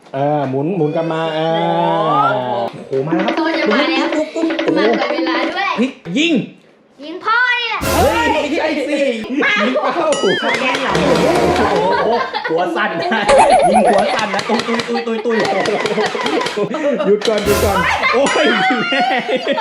หมุนหมุนกลับมาโอ้มาแล้วครับตัวจะมาแล้วมาเกิดเวลาด้วยพลิกยิงยิงพ่อนี่แหละเฮ้ยไม่ใช่สิยิงเป้าแกนเหรอโอ้โหหัวสั่นนะยิงหัวสั่นนะตุยหยุดก่อนโอ้ยแม่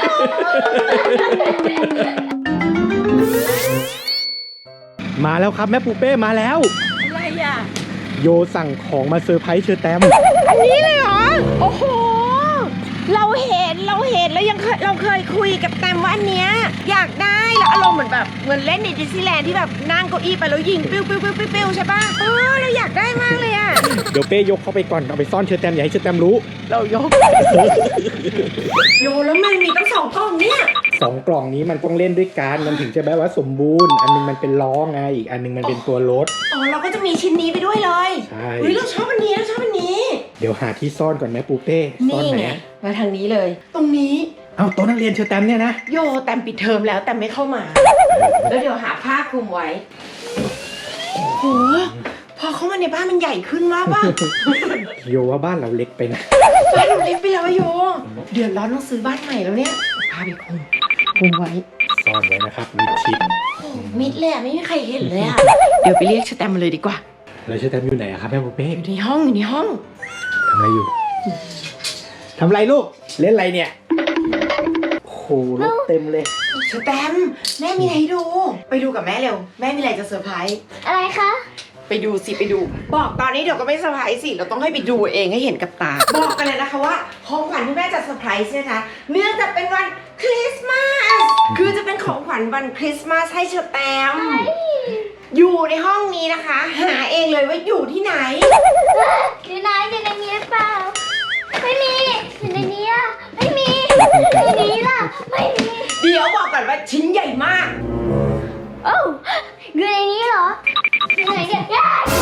มาแล้วครับแม่ปูเป้มาแล้วอะไรอ่ะโยสั่งของมาเซอร์ไพรส์เชอแตมอันนี้เลยเหรอโอ้โหเราเห็นแล้วยังเราเคยคุยกับแตมว่าอันเนี้ยอยากได้แล้วอารมณ์เหมือนเล่นในดิสนีย์แลนด์ที่แบบนั่งเก้าอี้ไปแล้วยิงปิ้วใช่ป่ะเราอยากได้มากเลยอ่ะเดี๋ยวเป้ยกเข้าไปก่อนเอาไปซ่อนเชอแตมอย่าให้เชอแตมรู้เรายกโยแล้วมันมีตั้ง2 กล่องเนี่ย 2 กล่องนี้มันต้องเล่นด้วยกันมันถึงจะแบบว่าสมบูรณ์อันนึงมันเป็นล้อไงอีกอันนึงมันเป็นตัวรถเราก็จะมีชิ้นนี้ไปด้วยเลยใช่เราชอบอันนี้เดี๋ยวหาที่ซ่อนก่อนไหมปูเป้ซ่อนไหนมาทางนี้เลยตรงนี้เอาโต๊ะนักเรียนเชอแตมเนี่ยนะโยแตมปิดเทอมแล้วแต่ไม่เข้ามาแล้วเดี๋ยวหาผ้าคลุมไว้โหพอเข้ามาในบ้านมันใหญ่ขึ้นมากป่ะโยว่าบ้านเราเล็กไปนะบ้านเราเล็กไปแล้วโยเดือดร้อนต้องซื้อบ้านใหม่แล้วเนี่ยพาไปคลุมไว้ซ่อนไว้นะครับมิดชิดมิดเลยไม่มีใครเห็นเลยเดี๋ยวไปเรียกเชอแตมมาเลยดีกว่าแล้วเชอแตมอยู่ไหนครับแม่ปูเป้อยู่ในห้องทำอะไรอยู่ทำอะไรลูกเล่นอะไรเนี่ยโหรถเต็มเลยเชอแตมแม่มีอะไรให้ดูไปดูกับแม่เร็วแม่มีอะไรจะเซอร์ไพรส์อะไรคะไปดูบอกตอนนี้เดี๋ยวก็ไม่เซอร์ไพรส์สิเราต้องให้ไปดูเองให้เห็นกับตาบอกกันเลยนะคะว่าของขวัญที่แม่จะเซอร์ไพรส์นะคะเนื่องจากเป็นวันคริสต์มาสคือจะเป็นของขวัญวันคริสต์มาสให้เชอแตมอยู่ในห้องนี้นะคะหาเองเลยว่าอยู่ที่ไหนอยู่ไหนอยู่ในนี้หรือเปล่าไม่มีอยู่ในนี้อ่ะไม่มีในนี้ล่ะไม่มีเดี๋ยวบอกก่อนว่าชิ้นใหญ่มากโอ้อยู่ในนี้เหรออยู่ไหนเนี่ย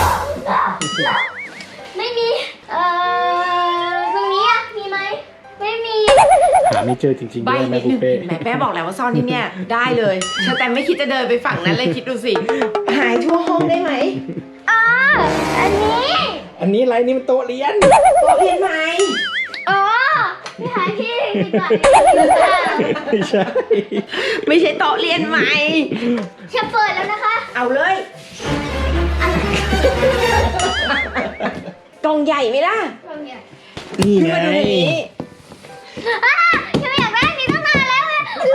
ไม่มีตรงนี้อ่ะมีไหมไม่มีหาไม่เจอจริงๆด้วยแม่ปูเป้แม่บอกแล้วว่าซ่อนที่เนี่ยได้เลยแต่ไม่คิดจะเดินไปฝั่งนั้นเลยคิดดูสิหายทั่วห้องได้ไหมอันนี้อะไรนี่มันโต๊ะเรียนไหมไม่หาที่ก่อนไม่ใช่โต๊ะเรียนไหมจะเปิดแล้วนะคะเอาเลยกล่องใหญ่ไหมล่ะกล่องใหญ่นี่ไงฉันไม่อยากได้นี่ตั้งนานแล้ว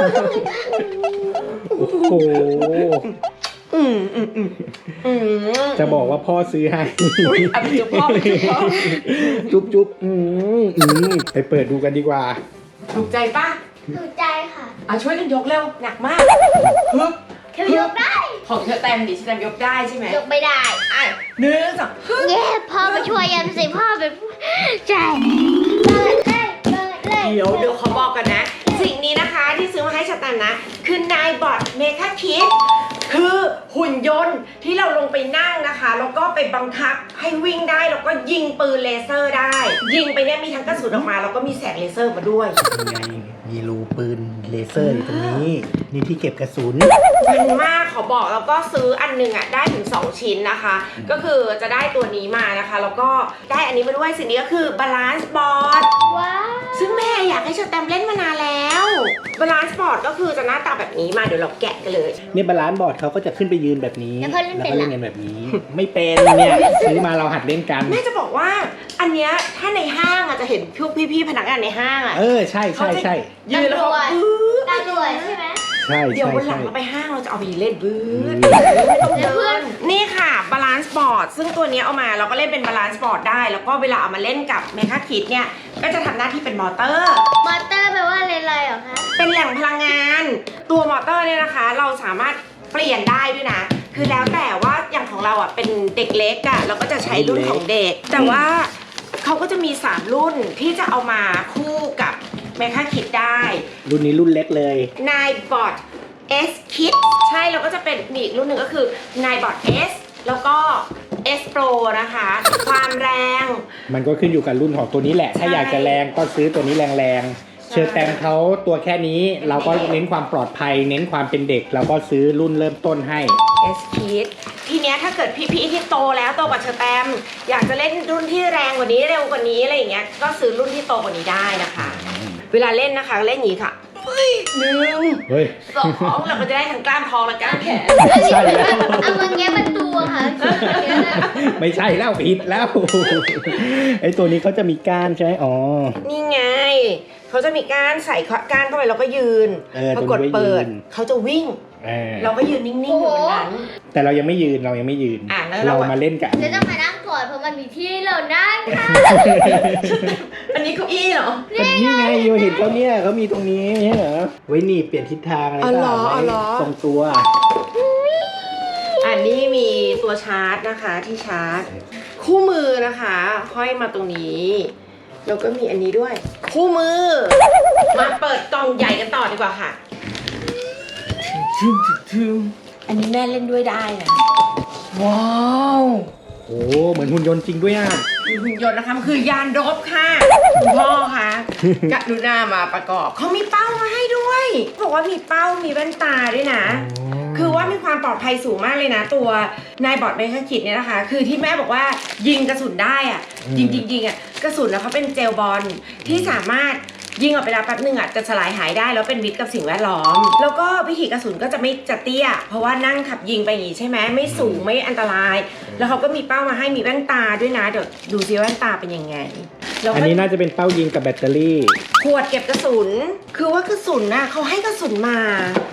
โอ้โหจะบอกว่าพ่อซื้อให้จุ๊บพ่อจุ๊บไปเปิดดูกันดีกว่าถูกใจป่ะถูกใจค่ะช่วยกันยกเร็วหนักมากเธอยกได้ของเธอแตมดิฉันยกได้ใช่ไหมยกไม่ได้ 1 2 เย้พ่อมาช่วยยันสิพ่อเป็นใจเดี๋ยวเขาบอกกันนะสิ่งนี้นะคะที่ซื้อมาให้ชาแตมนะคือนายบอทเมคาคิดคือหุ่นยนต์ที่เราลงไปนั่งนะคะแล้วก็ไปบังคับให้วิ่งได้แล้วก็ยิงปืนเลเซอร์ได้ยิงไปเนี่ยมีทั้งกระสุนออกมาแล้วก็มีแสงเลเซอร์มาด้วยมีรูปืนเลเซอร์อยู่ตรงนี้นี่ที่เก็บกระสุนมันมากขอบอกแล้วก็ซื้ออันนึงได้ถึง2 ชิ้นนะคะก็คือจะได้ตัวนี้มานะคะแล้วก็ได้อันนี้มาด้วยสิ่งนี้ก็คือบาลานซ์บอร์ดว้าวซึ่งแม่อยากให้เชอแตมเล่นมานานแล้วบาลานซ์บอร์ดก็คือจะหน้าตาแบบนี้มาเดี๋ยวเราแกะกันเลยนี่บาลานซ์บอร์ดเขาก็จะขึ้นไปยืนแบบนี้แล้วก็เล่นกันแบบนี้ไม่เป็นเนี่ยซื้อมาเราหัดเล่นกันแม่จะบอกว่าอันเนี้ยถ้าในห้างจะเห็นพวกพี่ๆพนักงานในห้างใช่ยืนแล้วตาด่วนใช่ไหมเดี๋ยววันหลังเราไปห้างเราจะเอาไปเล่นบื้อนี่ค่ะบาลานซ์บอร์ดซึ่งตัวนี้เอามาเราก็เล่นเป็นบาลานซ์บอร์ดได้แล้วก็เวลาเอามาเล่นกับเมคาคิดเนี่ยก็จะทำหน้าที่เป็นมอเตอร์แปลว่าอะไรเหรอคะเป็นแหล่งพลังงานตัวมอเตอร์เนี่ยนะคะเราสามารถเปลี่ยนได้ด้วยนะคือแล้วแต่ว่าอย่างของเราเป็นเด็กเล็กเราก็จะใช้รุ่นของเด็กแต่ว่าเขาก็จะมี3 รุ่นที่จะเอามาคู่กับเมคาคิดได้รุ่นนี้รุ่นเล็กเลยนายบอทS Kit ใช่แล้วก็จะเป็นอีกรุ่นหนึ่งก็คือนายบอท S แล้วก็ S Pro นะคะความแรงมันก็ขึ้นอยู่กับรุ่นของตัวนี้แหละถ้าอยากจะแรงก็ซื้อตัวนี้แรงเชอร์แตมเขาตัวแค่นี้เราก็เน้นความปลอดภัย เน้นความเป็นเด็กเราก็ซื้อรุ่นเริ่มต้นให้ S Kid ทีเนี้ยถ้าเกิดพี่ๆที่โตแล้วโตกว่าเชอแตมอยากจะเล่นรุ่นที่แรงกว่านี้เร็วกว่านี้อะไรอย่างเงี้ยก็ซื้อรุ่นที่โตกว่านี้ได้นะคะ เวลาเล่นนะคะเล่นอย่างนี้ค่ะหนึ่งเฮ้ยสองเราก็จะได้ทั้งกล้ามท้องและกล้ามแขนใช่แล้วเอามาแงะประตูอะค่ะไม่ใช่แล้วผิดแล้วไอ้ตัวนี้เขาจะมีก้านใช่ไหมอ๋อนี่ไงเขาจะมีก้านใส่ก้านเข้าไปแล้วก็ยืน พอกดเปิดเขาจะวิ่ง เราก็ยืนนิ่งๆอยู่บนนั้นแต่เรายังไม่ยืนเรายังไม่ยืนแล้วเรามาเล่นกันจะต้องมานั่งก่อนเพราะมันมีที่ให้เรานั่งค่ะอันนี้เก้าอี้เหรอก็นี่ไงโยเห็นเขาเนี่ยเขามีตรงนี้ไม่ใช่เหรอไว้หนีบเปลี่ยนทิศทางอะไรอ๋อเหรอไว้อ๋อเหรอทรงตัวอันนี้มีตัวชาร์จนะคะที่ชาร์จ คู่มือนะคะห้อยมาตรงนี้แล้วก็มีอันนี้ด้วย คู่มือ มาเปิดกล่องใหญ่กันต่อดีกว่าค่ะอันนี้แม่เล่นด้วยได้นะว้าวโอ้เหมือนหุ่นยนต์จริงด้วยอ่ะหุ่นยนต์นะคะมันคือยานรบค่ะคุณพ่อคะกรุณามาประกอบเขามีเป้ามาให้ด้วยบอกว่ามีเป้ามีแว่นตาด้วยนะ คือว่ามีความปลอดภัยสูงมากเลยนะ ตัวนายบอร์ดเมคาคิดเนี่ยนะคะ คือที่แม่บอกว่ายิงกระสุนได้อะจริงๆอ่ะกระสุนนะเขาเป็นเจลบอลที่สามารถยิงออกไปแล้วแป๊บนึงอ่ะจะสลายหายได้แล้วเป็นมิตรกับสิ่งแวดล้อม แล้วก็วิธีกระสุนก็จะไม่จะเตี้ยเพราะว่านั่งขับยิงไปอย่างนี้ใช่ไหมไม่สูงไม่อันตราย แล้วเขาก็มีเป้ามาให้มีแว่นตาด้วยนะเดี๋ยวดูซิแว่นตาเป็นยังไงแล้วก็อันนี้น่าจะเป็นเป้ายิงกับแบตเตอรี่ขวดเก็บกระสุนคือว่ากระสุนน่ะเขาให้กระสุนมา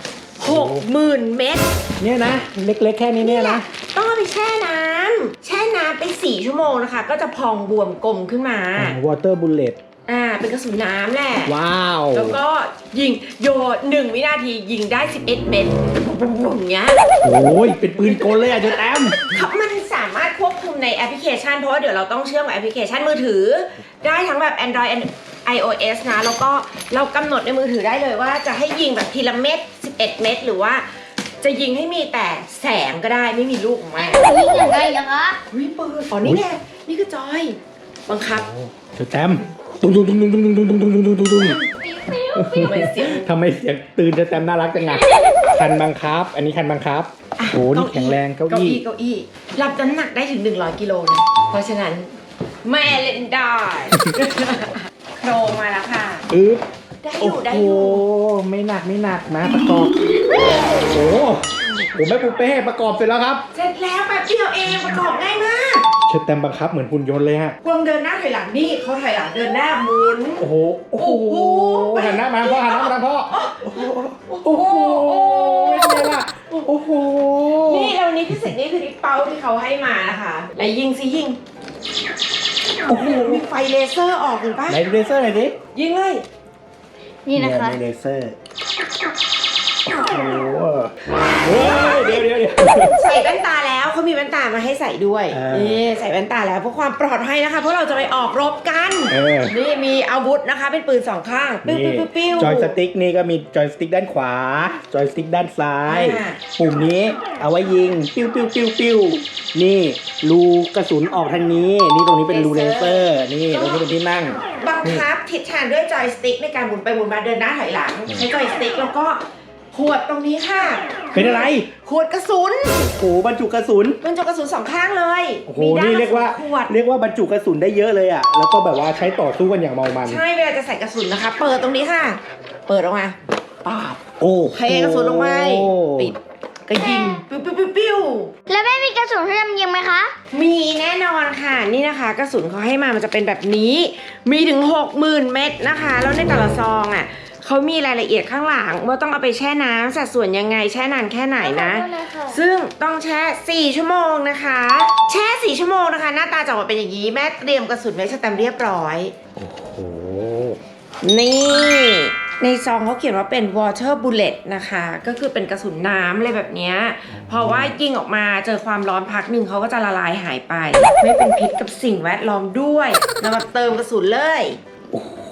60,000 เม็ดเนี่ยนะเล็กๆแค่นี้เนี่ยนะต้องเอาไปแช่น้ำไป4 ชั่วโมงนะคะ ก็จะพองบวมกลมขึ้นมาวอเตอร์บุลเลตเป็นกระสุนน้ำแหละว้าวแล้วก็ยิงโยน1 วินาทียิงได้11 เม็ดอย่างเงี้ยโอ้ยเป็นปืนกลเลยอ่ะเจ๊แต้มครับมันสามารถควบคุมในแอปพลิเคชันเพราะว่าเดี๋ยวเราต้องเชื่อมกับแอปพลิเคชันมือถือ ได้ทั้งแบบ Android iOS นะ แล้วก็เรากำหนดในมือถือได้เลยว่าจะให้ยิงแบบทีละเม็ด11 เม็ดหรือว่าจะยิงให้มีแต่แสงก็ได้ไม่มีลูกออกมาวิ่งยังไงนะคะวิปืนอ๋อนี่ไงนี่คือจอยบังคับเจ๊แต้มตุ้งตุ้งตุ้งตุ้งตุ้งตุ้งตุ้งตุ้งตุ้งตุ้งตุ้งตุ้งทำไมเสียงทำไมเสียงตื่นเจ๊แต้มน่ารักจังไงคันบังคับ อันนี้คันบังคับโอ้นี่แข็งแรงเก้าอี้เก้าอี้รับน้ำหนักได้ถึง100 กิโลนะเพราะฉะนั้นแม่เล่นได้ โครงมาแล้วค่ะ ได้อโอ้ยู่ได้โหอยู่ไม่หนักมาประกอบโอ้โหแม่ปูเป้ประกอบเสร็จแล้วครับเสร็จแล้วแป๊บเดียวเองประกอบง่ายมากเชิดแต้มบังคับเหมือนหุ่นยนต์เลยฮะกวางเดินหน้าถอยหลังนี่เขาถอยหลังเดินหน้าหมุนโอ้โหโอ้โหหันหน้ามาพ่อหันหน้ามาพ่อโอ้โหเป็นไงล่ะโอ้โหนี่เรานี้พิเศษนี่คือที่เป้าที่เขาให้มานะคะไหนยิงสิยิงโอ้โหมีไฟเลเซอร์ออกเห็นปะไหนดูเลเซอร์หน่อยดิยิงเลยนี่นะคะมีเลเซอร์โอ้โหเฮ้ยเดี๋ยวใส่แว่นตาแล้วเขามีแว่นตามาให้ใส่ด้วย นี่ใส่แว่นตาแล้วเพื่อความปลอดภัยนะคะเพราะเราจะไปออกรบกันนี่มีอาวุธนะคะเป็นปืน2 ข้างปิ้วปิ้วปิ้วปิ้วจอยสติ๊กนี่ก็มีจอยสติ๊กด้านขวา จอยสติ๊กด้านซ้าย ปุ่มนี้เอาไว้ยิงปิ้วนี่รูกระสุนออกทางนี้นี่ตรงนี้เป็นรูเลเซอร์นี่ตรงนี้เป็นที่นั่งบังคับทิศทางด้วยจอยสติ๊กในการหมุนไปหมุนมาเดินหน้าถอยหลังใช้จอยสติ๊กแล้วก็ขวดตรงนี้ค่ะเป็นอะไรขวดกระสุนโอ้โหบรรจุกระสุนมันจะกระสุน2 ข้างเลยโอ้โหมีด้นี่เรียกว่าขวดบรรจุกระสุนได้เยอะเลยอ่ะแล้วก็แบบว่าใช้ต่อสู้กันอย่างเมามันใช่เวลาจะใส่กระสุนนะคะ เปิดตรงนี้ค่ะ เปิดออกมาปาบโอ้เทกระสุนลงไปปิดก็ยิงปิ้วแล้วแม่มีกระสุนให้ทำยิงไหมคะมีแน่นอนค่ะนี่นะคะกระสุนเขาให้มามันจะเป็นแบบนี้ มีถึง 60,000 เม็ดนะคะแล้วในแต่ละซองอ่ะเขามีรายละเอียดข้างหลังว่าต้องเอาไปแช่น้ำสัดส่วนยังไงแช่นานแค่ไหนนะขอบคุณนะคะซึ่งต้องแช่4 ชั่วโมงนะคะ แช่4 ชั่วโมงนะคะ หน้าตาจะออกมาเป็นอย่างนี้แม่เตรียมกระสุนไว้สแตมป์เรียบร้อยโอ้โหนี่ในซองเขาเขียนว่าเป็น water bullet นะคะ ก็คือเป็นกระสุนน้ำอะไรแบบเนี้ยเพราะว่ายิงออกมาเจอความร้อนพักหนึ่งเขาก็จะละลายหายไป ไม่เป็นพิษกับสิ่งแวดล้อมด้วยเรามาเติมกระสุนเลยโอ้โห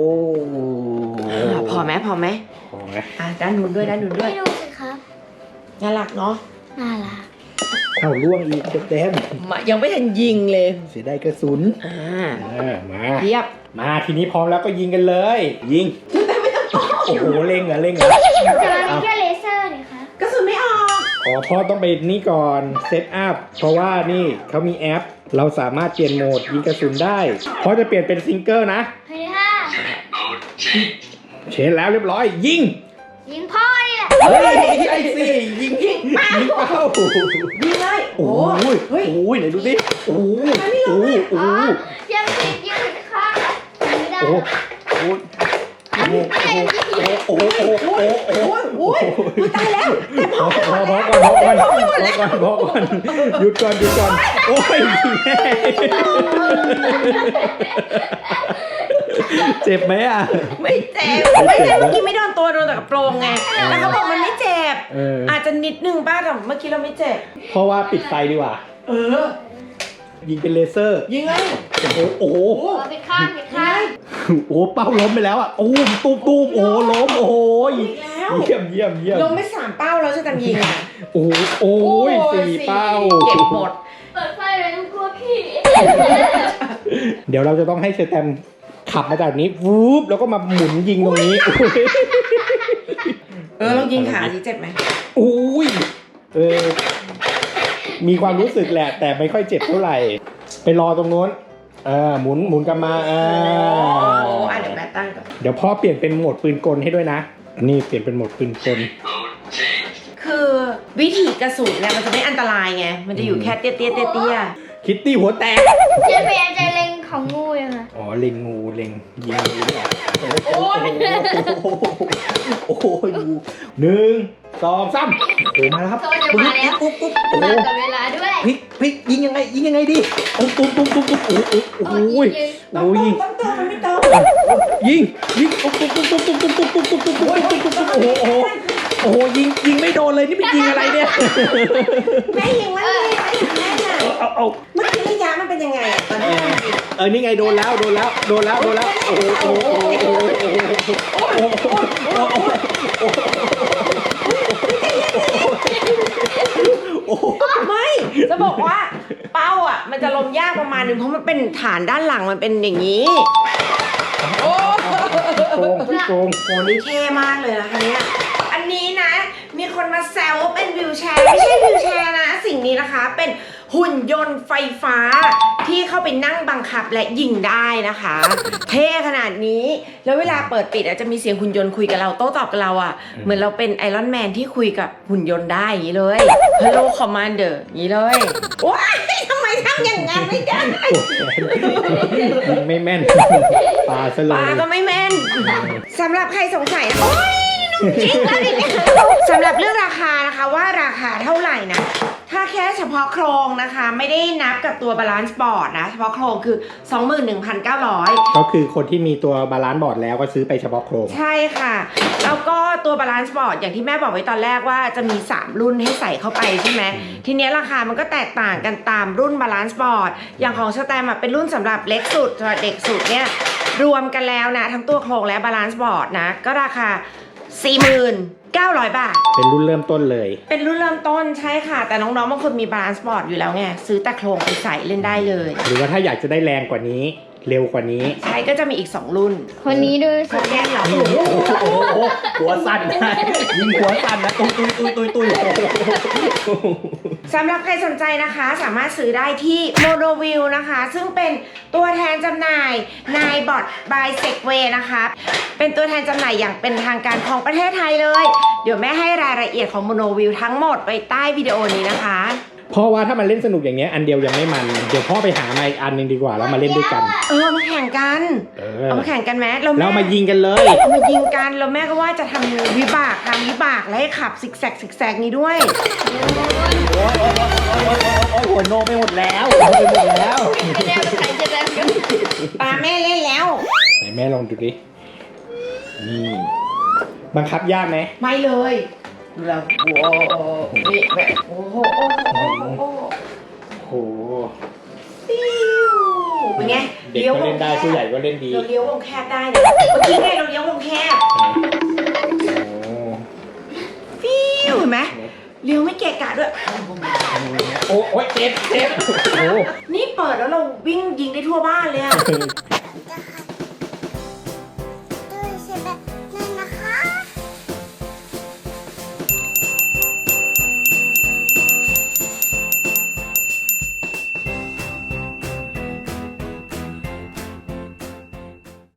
พอไหมพอไหมด้านนู้นด้วยไม่ดูสิครับน่ารักเนาะน่ารักเข้าล่วงอีกเต็มยังไม่ทันยิงเลยเสียดายกระสุนมาเรียบมาทีนี้พร้อมแล้วก็ยิงกันเลย ยิงโอ้โหเล็งเหรอจะมีแค่เลเซอร์นี่คะกระสุนไม่ออกพ่อต้องไปนี่ก่อนเซตอัพเพราะว่านี่เขามีแอป เราสามารถเปลี่ยนโหมดยิงกระสุนได้พ่อจะเปลี่ยนเป็นซิงเกิลนะเฮ้ยค่ะเชนแล้วเรียบร้อย ยิงยิงพ่อนี่แหละเฮ้ยไอ้สิยิงเป้ายิงเลยโอ้ยเฮ้ยโอ้ยไหนดูสิโอ้ยโอ้ยโอ้ยยังติดอยู่ค่ะไม่ได้โอ้โหโอ้โหโอ้โหโอ้โหโอ้โหโอ้ยตายแล้วแต่พอพอก่อนหยุดก่อนโอ้ยแม่เจ็บไหมอ่ะไม่เจ็บไม่ใช่เมื่อกี้ไม่โดนตัวโดนแต่กระโปรงไงแล้วเขาบอกมันไม่เจ็บอาจจะนิดนึงป้าแต่เมื่อกี้เราไม่เจ็บเพราะว่าปิดไฟดีกว่า ยิงเป็นเลเซอร์ยิงเลยโอ้โหปิดข้างปิดข้างโอ้เป้าล้มไปแล้วอ่ะโอ้ตูมโอ้ล้มโอ้ยอีกแล้วเยี่ยมลงไป3 เป้าแล้วจะทำยิงอ่ะโอ้ย4 เป้าเก็บหมดเปิดไฟเลยต้องกลัวพี่เดี๋ยวเราจะต้องให้เซแตมขับมาจากนี้วูบแล้วก็มาหมุนยิงตรงนี้ลองยิงขาสิเจ็บไหมโอ้ยมีความรู้สึกแหละ แต่ไม่ค่อยเจ็บเท่าไหร่ ไปรอตรงโน้นหมุนกลับมาเดี๋ยวแม่ตั้งก่อนเดี๋ยวพ่อเปลี่ยนเป็นโหมดปืนกลให้ด้วยนะ นี่เปลี่ยนเป็นโหมดปืนกลคือวิธีกระสุนเนี่ยมันจะไม่อันตรายไงมันจะอยู่แค่เตี้ยคิตตี้หัวแตกเจ๊พยายามจะเล็งของงูยังไงอ๋อเล็งงูเล็งยิงงูเนี่ยโอ้ยโอ้โห1 2 3โอ้มาแล้วครับโซนจะมาแล้วกุ๊บโอ้มากับเวลาด้วยพลิกยิงยังไงดีโอ้ตุ้มโอ้ยต้องตัวมันไม่ต้องยิงโอ้ตุ้มโอ้โหยิงไม่โดนเลยนี่เป็นยิงอะไรเนี่ยแม่ยิงมันเลยแม่น่ะเอาเมื่อกี้ระยะมันเป็นยังไงอะตอนนี้นี่ไงโดนแล้วโอ้โหไม่จะบอกว่าเป้าอ่ะมันจะลมยากประมาณนึงเพราะมันเป็นฐานด้านหลังมันเป็นอย่างนี้โอ้โกงโหนี่เท่มากเลยนะคะเนี่ยอันนี้นะมีคนมาแซวว่าเป็นวิวแชร์ไม่ใช่วิวแชร์นะสิ่งนี้นะคะเป็นหุ่นยนต์ไฟฟ้าที่เข้าไปนั่งบังคับและยิงได้นะคะ เท่ขนาดนี้แล้วเวลาเปิดปิดอาจจะมีเสียงหุ่นยนต์คุยกับเราโต้ตอบกับเราอ่ะเหมือนเราเป็นไอรอนแมนที่คุยกับหุ่นยนต์ได้อย่างนี้เลย Hello Commander อย่างนี้เลยว้ายทำไมทำอย่างนั้นไม่ได้ยิงไม่แม่นปาซะเลปาย ก็ไม่แม่นสำหรับใครสงสัยโอ๊ยนุ่มจริงแล้วนี่สำหรับเรื่องราคานะคะว่าราคาเท่าไหร่นะถ้าแค่เฉพาะโครงนะคะไม่ได้นับกับตัวบาลานซ์บอร์ดนะเฉพาะโครงคือ 21,900 ก็คือคนที่มีตัวบาลานซ์บอร์ดแล้วก็ซื้อไปเฉพาะโครงใช่ค่ะแล้วก็ตัวบาลานซ์บอร์ดอย่างที่แม่บอกไว้ตอนแรกว่าจะมี3รุ่นให้ใส่เข้าไปใช่ไหมทีนี้ราคามันก็แตกต่างกันตามรุ่นบาลานซ์บอร์ดอย่างของสแตมเป็นรุ่นสำหรับเล็กสุดสำหรับเด็กสุดเนี่ยรวมกันแล้วนะทั้งตัวโครงและบาลานซ์บอร์ดนะก็ราคา 49,000 บาทเป็นรุ่นเริ่มต้นเลยเป็นรุ่นเริ่มต้นใช่ค่ะแต่น้องๆบางคนมีบาลานซ์บอร์ดอยู่แล้วไงซื้อแต่โครงไปใส่เล่นได้เลยหรือว่าถ้าอยากจะได้แรงกว่านี้เร็วกว่านี้ใช่ก็จะมีอีก2รุ่นคนนี้ดูโคแกนเหรอหัวสั่นนะยิงหัวสั่นนะตุยสำหรับใครสนใจนะคะสามารถซื้อได้ที่ Monoview นะคะซึ่งเป็นตัวแทนจำหน่ายนายบอท by Segway นะคะเป็นตัวแทนจำหน่ายอย่างเป็นทางการของประเทศไทยเลยเดี๋ยวแม่ให้รายละเอียดของ Monoview ทั้งหมดไว้ใต้วิดีโอนี้นะคะเพราะว่าถ้ามันเล่นสนุกอย่างเงี้ยอันเดียวยังไม่มันเดี๋ยวพ่อไปหามาอีกอันหนึงดีกว่าแล้วมาเล่นด้วยกันเอามาแข่งกันเอามาแข่งกันไหมแล้วมายิงกันเลยเอามายิงกันแล้วแม่ก็ว่าจะทำวิบากและให้ขับซิกแซกนี้ด้วยโอ้ยหัวโนไปหมดแล้วไม่ได้ใครจะได้กันปาแม่เล่นแล้วไหนแม่ลองดูดินี่บังคับยากไหมไม่เลยแล้วโอ้โหนี่แบบโอ้โหโหเป็นไงเด็กก็เล่นได้ผู้ใหญ่ก็เล่นดีเราเลี้ยววงแคบได้นะเมื่อกี้ไงเราเลี้ยววงแคบฟิวเห็นไหมเลี้ยวไม่เกะกะด้วยโอ้ยเจ็บโอ้นี่เปิดแล้วเราวิ่งยิงได้ทั่วบ้านเลยอะ